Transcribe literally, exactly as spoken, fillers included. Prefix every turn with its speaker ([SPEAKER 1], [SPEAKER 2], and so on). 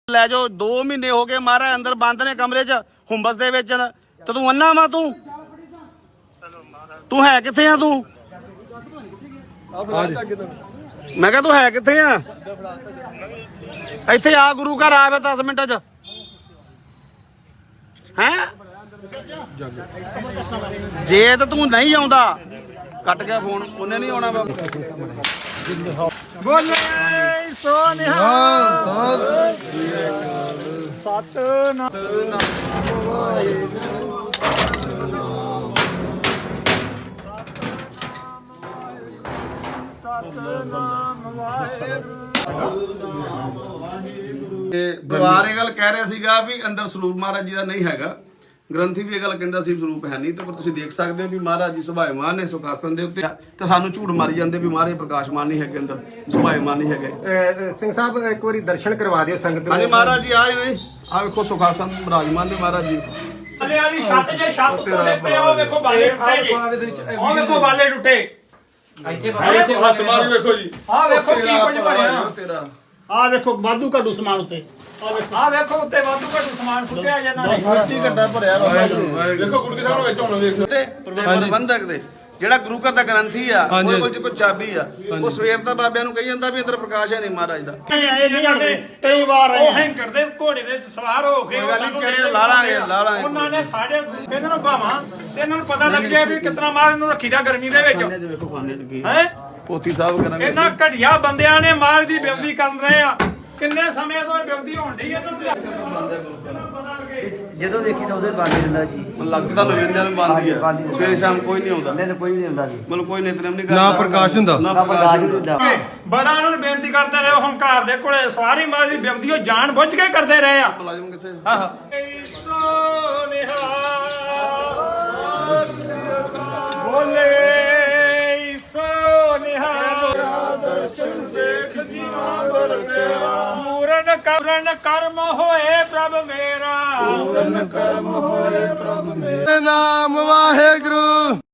[SPEAKER 1] ਲੈ ਜਾਓ। दो महीने हो गए महाराज अंदर बंद ने कमरे च हुंबस दे विच ते तू अन्ना वा तू तू है किथे आ तू मैं कहा तू है किथे आ इत्थे आ गुरु घर आ फिर दस मिनट च हैं जे तो तू नहीं आउंदा कट गया फोन उन्हें नहीं आना
[SPEAKER 2] बोले सोनिहाल सतनाम सतनाम
[SPEAKER 1] ਪਰਿਵਾਰ ਇਹ ਗੱਲ ਕਹਿ ਰਿਹਾ ਸੀਗਾ ਵੀ ਅੰਦਰ ਸਰੂਪ ਮਹਾਰਾਜ ਜੀ ਦਾ ਨਹੀਂ ਹੈਗਾ। ਗ੍ਰੰਥੀ ਵੀ ਇਹ ਗੱਲ ਕਹਿੰਦਾ ਸੀ ਸਰੂਪ ਹੈ ਨਹੀਂ, ਤੇ ਪਰ ਤੁਸੀਂ ਦੇਖ ਸਕਦੇ ਹੋ ਵੀ ਮਹਾਰਾਜ ਜੀ ਸੁਭਾਇਮਾਨ ਨੇ ਸੁਖਾਸਨ ਦੇ ਉੱਤੇ, ਤੇ ਸਾਨੂੰ ਝੂਠ ਮਾਰੀ ਜਾਂਦੇ ਵੀ ਮਹਾਰਾਜ ਪ੍ਰਕਾਸ਼ਮਾਨ ਨਹੀਂ ਹੈਗੇ, ਅੰਦਰ ਸੁਭਾਇਮਾਨ ਨਹੀਂ ਹੈਗੇ।
[SPEAKER 3] ਸਿੰਘ ਸਾਹਿਬ ਇੱਕ ਵਾਰੀ ਦਰਸ਼ਨ ਕਰਵਾ ਦਿਓ ਸੰਗਤ ਨੂੰ।
[SPEAKER 1] ਹਾਂਜੀ ਮਹਾਰਾਜ ਜੀ ਆਏ ਨੇ, ਆ ਵੇਖੋ ਸੁਖਾਸਨ ਵਿਰਾਜਮਾਨ ਨੇ ਮਹਾਰਾਜ ਜੀ।
[SPEAKER 2] ਅਲੇ ਵਾਲੀ ਛੱਤ ਜੇ ਛੱਤ ਉੱਤੇ ਪਏ ਉਹ ਵੇਖੋ ਬਾਲੇ ਟੁੱਟੇ ਜੀ, ਉਹ ਵੇਖੋ ਬਾਲੇ ਟੁੱਟੇ ਇੱਥੇ
[SPEAKER 1] ਇੱਥੇ ਹੱਥ ਮਾਰ ਵੇਖੋ ਜੀ,
[SPEAKER 2] ਆ ਵੇਖੋ ਕੀ ਕੁਝ ਬਣਿਆ
[SPEAKER 1] ਤੇਰਾ।
[SPEAKER 4] ਆ ਵੇਖੋ ਵਾਧੂ ਘਾਟੂ ਸਮਾਨ ਉੱਤੇ
[SPEAKER 2] ਆ ਵੇਖੋ ਉੱਤੇ ਵਾਧੂ ਘਟੂ ਸਮਾਨ ਸੁੱਟਿਆ ਜਾਂਦਾ ਨੇ
[SPEAKER 1] ਕੀ ਘੱਟਾ ਭਰਿਆ ਵੇਖੋ ਗੁਰਕੇ ਸਾਹਿਬ ਵਿੱਚ ਹੁਣ ਵੇਖੋ ਤੇ ਪ੍ਰਬੰਧਕ ਦੇ ਜਿਹੜਾ ਗੁਰੂ ਘਰ ਦਾ ਗ੍ਰੰਥੀ ਆ ਉਹਦੇ ਕੋਲ ਕੋਈ ਚਾਬੀ ਆ, ਉਹ ਸਵੇਰ ਦਾ ਬਾਬਿਆਂ ਨੂੰ ਕਹੀ ਜਾਂਦਾ ਵੀ ਅੰਦਰ ਪ੍ਰਕਾਸ਼ ਹੈ ਨਹੀਂ ਮਹਾਰਾਜ ਦਾ।
[SPEAKER 4] ਇਹ ਨਹੀਂ ਆਉਂਦੇ ਕਈ ਵਾਰ
[SPEAKER 2] ਉਹ ਹੈਂਕਰ ਦੇ ਘੋੜੇ ਦੇ ਸਵਾਰ ਹੋ ਕੇ ਉਹ ਸਾਨੂੰ
[SPEAKER 1] ਚੜੇ ਲਾ ਲਾਂਗੇ ਲਾ ਲਾਂਗੇ
[SPEAKER 2] ਉਹਨਾਂ ਨੇ ਸਾਡੇ ਇਹਨਾਂ ਨੂੰ ਭਾਵਾਂ ਤੇ ਇਹਨਾਂ ਨੂੰ ਪਤਾ ਲੱਗ ਜਾਏ ਵੀ ਕਿਤਨਾ ਮਾਰ ਇਹਨੂੰ ਰੱਖੀਦਾ ਗਰਮੀ ਦੇ ਵਿੱਚ
[SPEAKER 1] ਦੇਖੋ ਖਾਨੇ ਚ ਕੀ
[SPEAKER 2] ਹੈ।
[SPEAKER 1] ਪੋਥੀ ਸਾਹਿਬ ਕਰਾਂਗੇ
[SPEAKER 2] ਇਹਨਾਂ ਘਟਿਆ ਬੰਦਿਆਂ ਨੇ ਮਾਰ ਦੀ ਬੇਵਦੀ ਕਰ ਰਹੇ ਆ। ਕਿੰਨੇ ਸਮੇਂ ਤੋਂ ਇਹ ਬੇਵਦੀ ਹੋਣ ਡਈ ਇਹਨਾਂ ਨੂੰ
[SPEAKER 5] ਜਦੋਂ ਦੇਖੀ ਤਾਂ ਉਹਦੇ ਬਾਲੇ ਹੁੰਦਾ ਜੀ।
[SPEAKER 1] ਲੱਗਦਾ ਲੋਇੰਦਿਆਂ ਨੂੰ ਬੰਦੀ ਆ, ਸਵੇਰੇ ਸ਼ਾਮ ਕੋਈ ਨਹੀਂ ਆਉਂਦਾ,
[SPEAKER 5] ਨਹੀਂ ਕੋਈ ਨਹੀਂ ਹੁੰਦਾ ਜੀ,
[SPEAKER 1] ਮਤਲਬ ਕੋਈ ਨਿਤਨੇਮ ਨਹੀਂ ਕਰਦਾ,
[SPEAKER 6] ਨਾ ਪ੍ਰਕਾਸ਼ ਹੁੰਦਾ,
[SPEAKER 1] ਨਾ
[SPEAKER 5] ਨਾ
[SPEAKER 1] ਪ੍ਰਕਾਸ਼
[SPEAKER 5] ਪ੍ਰਕਾਸ਼ ਹੁੰਦਾ।
[SPEAKER 2] ਬੜਾ ਉਹਨਾਂ ਨੂੰ ਬੇਨਤੀ ਕਰਦੇ ਰਹੇ, ਹੰਕਾਰ ਦੇ ਕੋਲੇ ਸਵਾਰੀ ਮਾਰ ਦੀ ਬੇਵਦੀ ਉਹ ਜਾਣ ਬੁੱਝ ਕੇ ਕਰਦੇ ਰਹੇ ਆ।
[SPEAKER 1] ਮੁਲਾਜ਼ਮ ਕਿੱਥੇ?
[SPEAKER 2] ਆਹ ਬੋਲੇ ਸੋਨਿਹਾਲ ਦਰਸ਼ਨ ਦੇਖ ਜੀਵਾਂ ਦਰ ਤੇਰਾ ਮੂਰਨ ਕਰਨ ਕਰਮ ਹੋਏ ਪ੍ਰਭ ਮੇਰਾ
[SPEAKER 6] ਨਾਮ ਵਾਹਿਗੁਰੂ।